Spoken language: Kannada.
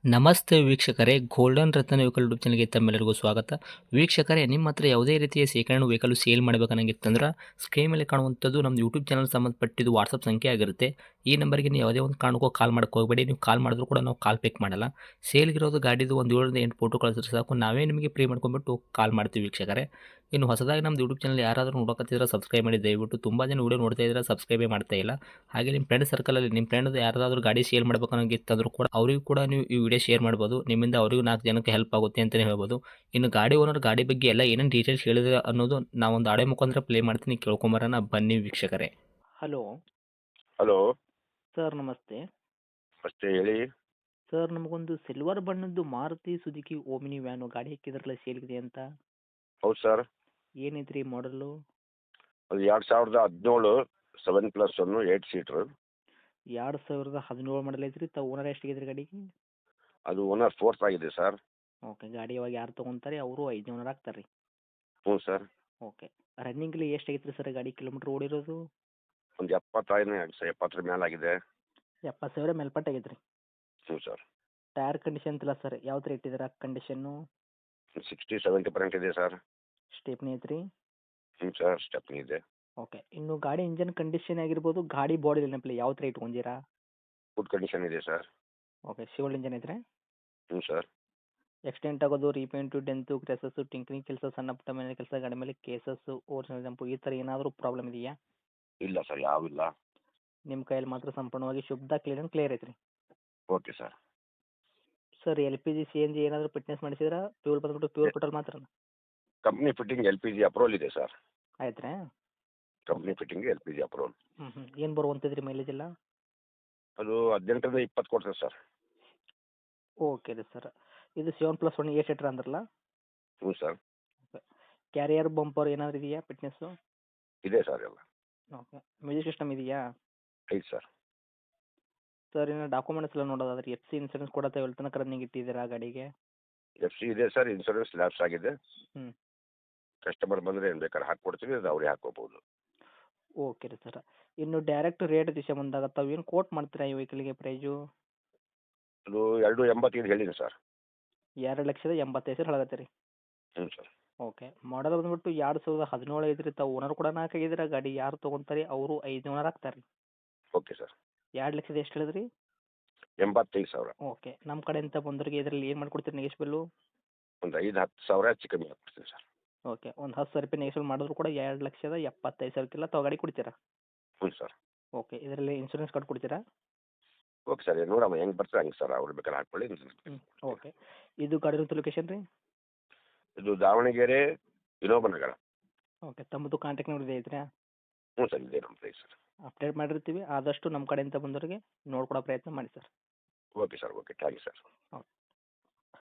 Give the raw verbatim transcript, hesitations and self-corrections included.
ನಮಸ್ತೆ ವೀಕ್ಷಕರೇ, ಗೋಲ್ಡನ್ ರತ್ನ ವೆಹಿಕಲ್ ಯೂಟ್ಯೂಬ್ ಚಾನಲ್ಗೆ ತಮ್ಮೆಲ್ಲರಿಗೂ ಸ್ವಾಗತ. ವೀಕ್ಷಕರೇ, ನಿಮ್ಮ ಹತ್ರ ಯಾವುದೇ ರೀತಿಯ ಶೇಖರಣೆ ವೆಹಿಕಲ್ ಸೇಲ್ ಮಾಡಬೇಕನ್ನಂಗಿತ್ತಂದ್ರೆ ಸ್ಕ್ರೀನ್ ಮೇಲೆ ಕಾಣುವಂಥದ್ದು ನಮ್ಮ ಯೂಟ್ಯೂಬ್ ಚಾನಲ್ ಸಂಬಂಧಪಟ್ಟಿದ್ದು ವಾಟ್ಸಪ್ ಸಂಖ್ಯೆ ಆಗಿರುತ್ತೆ. ಈ ನಂಬರ್ಗೆ ನೀವು ಯಾವುದೇ ಒಂದು ಕಾರಣಕ್ಕೂ ಕಾಲ್ ಮಾಡಕ್ಕೆ ಹೋಗಬೇಡಿ. ನೀವು ಕಾಲ್ ಮಾಡಿದ್ರು ಕೂಡ ನಾವು ಕಾಲ್ ಪಿಕ್ ಮಾಡಲ್ಲ. ಸೇಲ್ಗಿರೋದು ಗಾಡಿದು ಒಂದು ಏಳರಿಂದ ಎಂಟು ಫೋಟೋ ಕಳಿಸಿದ್ರೆ ಸಾಕು, ನಾವೇ ನಿಮಗೆ ಪ್ರೀ ಮಾಡ್ಕೊಂಡ್ಬಿಟ್ಟು ಕಾಲ್ ಮಾಡ್ತೀವಿ ವೀಕ್ಷಕರೇ. ಇನ್ನು ಹೊಸದಾಗಿ ನಮ್ಮದು ಯೂಟ್ಯೂಬ್ ಚಾನಲ್ ಯಾರಾದರೂ ನೋಡೋಕತ್ತಿದ್ರೆ ಸಬ್ಸ್ಕ್ರೈಬ್ ಮಾಡಿ ದಯವಿಟ್ಟು. ತುಂಬ ಜನ ವೀಡಿಯೋ ನೋಡ್ತಾ ಇದ್ದಾರೆ, ಸಬ್ಸ್ಕ್ರೈಬೇ ಮಾಡ್ತಾ ಇಲ್ಲ. ಹಾಗೆ ನಿಮ್ಮ ಫ್ರೆಂಡ್ ಸರ್ಕಲಲ್ಲಿ ನಿಮ್ಮ ಫ್ರೆಂಡ್ ಯಾರಾದರೂ ಗಾಡಿ ಸೇಲ್ ಮಾಡ್ಬೇಕನ್ನೋಂಗಿತ್ತಂದ್ರೂ ಕೂಡ ಅವರಿಗೂ ಕೂಡ ನೀವು ಈ ವಿಡಿಯೋ ಶೇರ್ ಮಾಡ್ಬೋದು. ನಿಮ್ಮಿಂದ ಅವರಿಗೂ ನಾಲ್ಕು ಜನಕ್ಕೆ ಹೆಲ್ಪ್ ಆಗುತ್ತೆ ಅಂತಲೇ ಹೇಳ್ಬೋದು. ಇನ್ನು ಗಾಡಿ ಓನರ್ ಗಾಡಿ ಬಗ್ಗೆ ಎಲ್ಲ ಏನೇನು ಡೀಟೇಲ್ಸ್ ಹೇಳಿದ್ರೆ ಅನ್ನೋದು ನಾವೊಂದು ಆಡೆ ಮುಖಾಂತರ ಪ್ಲೇ ಮಾಡ್ತೀನಿ, ಕೇಳ್ಕೊಂಬರೋಣ ಬನ್ನಿ ವೀಕ್ಷಕರೇ. ಹಲೋ ಹಲೋ ಸರ್, ನಮಸ್ತೆ ಅಷ್ಟೇ ಹೇಳಿ. ಸರ್. ನಮಗೊಂದು ಸಿಲ್ವರ್ ಬಣ್ಣದ್ದು ಮಾರುತಿ ಸುಜುಕಿ ಓಮಿನಿ ವ್ಯಾನು ಗಾಡಿ ಹಾಕಿದ್ರಲ್ಲ ಸೇಲ್ಗಿದೆ ಅಂತ. ಹೌದು ಸರ್, ಏನೈತ್ರಿ ಮಾಡಲು? ಅದು ಎರಡು ಸಾವಿರದ ಹದಿನೇಳು seven plus one eight seater. ಎರಡು ಸಾವಿರದ ಹದಿನೇಳು ಮಾಡಲ್ ಐತ್ರಿ. ತಾವು ಓನರ್ ಎಷ್ಟಾಗಿದ್ರಿ ಗಾಡಿಗೆ? ಅದು ಓನರ್ ಫೋರ್ತ್ ಆಗಿದೆ ಸರ್. ಓಕೆ. ಗಾಡಿ ಇವಾಗ ಯಾರು ತೊಗೊಂತಾರೆ ಅವರು ಐದು ಓನರ್ ಆಗ್ತಾರೆ ರೀ. ಹ್ಞೂ ಸರ್. ಓಕೆ. ರನ್ನಿಂಗಲ್ಲಿ ಎಷ್ಟು ಆಗೈತೆ ರೀ ಸರ್ ಗಾಡಿ ಕಿಲೋಮೀಟ್ರ್ ಓಡಿರೋದು? ಒಂದು ಎಪ್ಪತ್ತೈದು ಸರ್, ಎಪ್ಪತ್ತರ ಮೇಲಾಗಿದೆ. ಎಪ್ಪತ್ತು ಸಾವಿರ ಮೇಲ್ಪಟ್ಟು ಆಗೈತೆ ರೀ. ಹ್ಞೂ ಸರ್. ಟೈರ್ ಕಂಡೀಷನ್ ಅಂತಿಲ್ಲ ಸರ್, ಯಾವ ಥರ ಇಟ್ಟಿದ್ದೀರಾ ಕಂಡೀಷನ್ನು? ಸಿಕ್ಸ್ಟಿ ಸೆವೆಂಟಿ ಪರ್ಸೆಂಟ್ ಇದೆ ಸರ್. ಸ್ಟೇಪ್ನಿ ಐತ್ರಿ? ಹ್ಞೂ ಸರ್, ಸ್ಟೆಪ್ನಿ ಇದೆ. ಓಕೆ. ಇನ್ನು ಗಾಡಿ ಇಂಜನ್ ಕಂಡೀಷನ್ ಆಗಿರ್ಬೋದು, ಗಾಡಿ ಬಾಡಿ ನೆನಪಿಲ್ಲ ಯಾವ ಥರ ಇಟ್ಕೊಂಡಿರಾ? ಗುಡ್ ಕಂಡೀಷನ್ ಇದೆ ಸರ್. ಓಕೆ. ಶಿವಲ್ ಇಂಜನ್ ಐತ್ರಿ? ಹ್ಞೂ ಸರ್. ಎಕ್ಸ್ಟೆಂಟ್ ಆಗೋದು, ರೀಪೇಂಟು, ಡೆಂತು, ಕ್ರೆಸಸ್ಸು, ಟಿಂಕ್ರಿಂಗ್ ಕೆಲಸ, ಸಣ್ಣ ಪುಟ್ಟ ಮನೆ ಕೆಲಸ, ಗಾಡಿ ಮೇಲೆ ಕೇಸಸ್ಸು, ಓರಿಜಿನಲ್ ಜಂಪು ಈ ಥರ ಏನಾದರೂ ಪ್ರಾಬ್ಲಮ್ ಇದೆಯಾ? ಇಲ್ಲ ಸರ್, ಯಾವಿಲ್ಲ. ನಿಮ್ಮ ಕೈಯಲ್ಲಿ ಮಾತ್ರ ಸಂಪೂರ್ಣವಾಗಿ ಶುದ್ಧ ಕ್ಲೀನ್ ಆ್ಯಂಡ್ ಕ್ಲಿಯರ್ ಐತ್ರಿ. Okay sir. Sir, L P G C N G ಏನಾದರೂ ಫಿಟ್ನೆಸ್ ಮಾಡಿಸಿದ್ರಾ? ಫ್ಯೂಲ್ ಬಂದ್ಬಿಟ್ಟು ಪ್ಯೂರ್ ಪೆಟ್ರೋಲ್ ಮಾತ್ರ company fitting L P G approval ಇದೆ ಸರ್. ಆಯ್ತು ರೀ? Company fitting L P G approval. ಹ್ಞೂ ಹ್ಞೂ. ಏನು ಬರುವಂಥದ್ದು ರೀ ಮೈಲೇಜ್ ಎಲ್ಲ? ಅದು ಹದಿನೆಂಟರಿಂದ ಇಪ್ಪತ್ತು ಕೊಡ್ತದೆ ಸರ್. ಓಕೆ ರೀ ಸರ್. ಇದು seven plus one eight seater ಅಂದ್ರಲ್ಲ? ಹ್ಞೂ ಸರ್. ಓಕೆ. ಕ್ಯಾರಿಯರ್ ಬಂಪರ್ ಏನಾದರೂ ಇದೆಯಾ ಫಿಟ್ನೆಸ್ಸು? ಇದೆ ಸರ್ ಎಲ್ಲ. ಓಕೆ. ಮ್ಯೂಸಿಕ್ ಸಿಸ್ಟಮ್ ಇದೆಯಾ? ಐದು ಸರ್. ಸರ್, ಇನ್ನು ಡಾಕ್ಯುಮೆಂಟ್ಸ್ ಎಲ್ಲ ನೋಡೋದಾದ್ರೆ ಎಫ್ ಸಿ ಇನ್ಸೂರೆನ್ಸ್ ಕೂಡ ತಾವು ಎಲ್ಲಿ ತನಕ ರನ್ನಿಂಗ್ ಇಟ್ಟಿದ್ದೀರಾ ಗಾಡಿಗೆ? ಎಫ್ ಸಿ ಇದೆ ಸರ್, ಇನ್ಸೂರೆನ್ಸ್ ಲ್ಯಾಪ್ಸ್ ಆಗಿದೆ. ಹ್ಞೂ. ಕಸ್ಟಮರ್ ಬಂದರೆ ಏನು ಬೇಕಾದ್ರೆ ಹಾಕ್ಕೊಡ್ತೀವಿ, ಅದು ಅವ್ರಿಗೆ ಹಾಕ್ಕೋಬೋದು. ಓಕೆ ರೀ ಸರ್. ಇನ್ನು ಡೈರೆಕ್ಟ್ ರೇಟ್ ವಿಷಯ ಬಂದಾಗ ತಾವು ಏನು ಕೋಟ್ ಮಾಡ್ತೀರಾ ಈ ವೆಹಿಕಲ್ಗೆ ಪ್ರೈಜು? ಅದು ಎರಡು ಎಂಬತ್ತೈದು ಹೇಳಿದೆ ಸರ್. ಎರಡು ಲಕ್ಷದ ಎಂಬತ್ತೈದು ಸಾವಿರ ಹೇಳಕತ್ತೀರಿ ರೀ? ಹ್ಞೂ ಸರ್. ಓಕೆ. ಮಾಡಲ್ ಬಂದ್ಬಿಟ್ಟು ಎರಡು ಸಾವಿರದ ಹದಿನೇಳು ಐತ್ರಿ. ತಾವು ಓನರ್ ಕೂಡ ನಾಲ್ಕು ಆಗಿದ್ದೀರಾ. ಗಾಡಿ ಯಾರು ತೊಗೊಂತಾರೆ ಅವರು ಐದು ಓನರ್ ಆಗ್ತಾರೆ ರೀ. Okay sir. ಎರಡು ಲಕ್ಷದ ಎಷ್ಟು ಹೇಳಿದ್ರಿ? ಎಂಬತ್ತೈದು ಸಾವಿರ. ಓಕೆ. ನಮ್ಮ ಕಡೆಯಿಂದ ಬಂದವರಿಗೆ ಇದರಲ್ಲಿ ಏನು ಮಾಡ್ಕೊಡ್ತೀರಿ ನೆಗೆಶ್ಬಲ್ಲು? ಒಂದು ಐದು ಹತ್ತು ಸಾವಿರ ಹೆಚ್ಚು ಕಮ್ಮಿ ಆಗ್ಬಿಡ್ತೀನಿ ಸರ್. ಓಕೆ. ಒಂದು ಹತ್ತು ಸಾವಿರ ರೂಪಾಯಿ ನೆಗೆಶ್ಬಲ್ ಮಾಡಿದ್ರು ಕೂಡ ಎರಡು ಲಕ್ಷದ ಎಪ್ಪತ್ತೈದು ಸಾವಿರಕ್ಕೆಲ್ಲ ತಾವು ಗಾಡಿ ಕೊಡ್ತೀರಾ? ಹ್ಞೂ ಸರ್. ಓಕೆ. ಇದರಲ್ಲಿ ಇನ್ಶೂರೆನ್ಸ್ ಕಾರ್ಡ್ ಕೊಡ್ತೀರಾ? ಓಕೆ ಸರ್, ನೋಡಮ್ಮ ಹೆಂಗೆ ಬರ್ತಾರೆ ಹಂಗೆ ಸರ್, ಅವ್ರು ಬೇಕಾದ್ರೆ ಹಾಕ್ಕೊಳ್ಳಿ. ಹ್ಞೂ. ಓಕೆ. ಇದು ಗಾಡಿ ಇರೋದು ಲೊಕೇಶನ್ ರೀ? ಇದು ದಾವಣಗೆರೆ ವಿನೋಬ ನಗರ. ಓಕೆ. ತಮ್ಮದು ಕಾಂಟ್ಯಾಕ್ಟ್ ನಂಬರ್ ಇದೆ ಐತ್ರಾ? ಹ್ಞೂ ಸರ್, ಇದೆ ನಮ್ಮ ಪ್ರೈಸ್ ಸರ್. ಅಪ್ಡೇಟ್ ಮಾಡಿರ್ತೀವಿ. ಆದಷ್ಟು ನಮ್ಮ ಕಡೆಯಿಂದ ಬಂದವರಿಗೆ ನೋಡ್ಕೊಡೋ ಪ್ರಯತ್ನ ಮಾಡಿ sir. Okay sir, okay, thank you sir. Okay.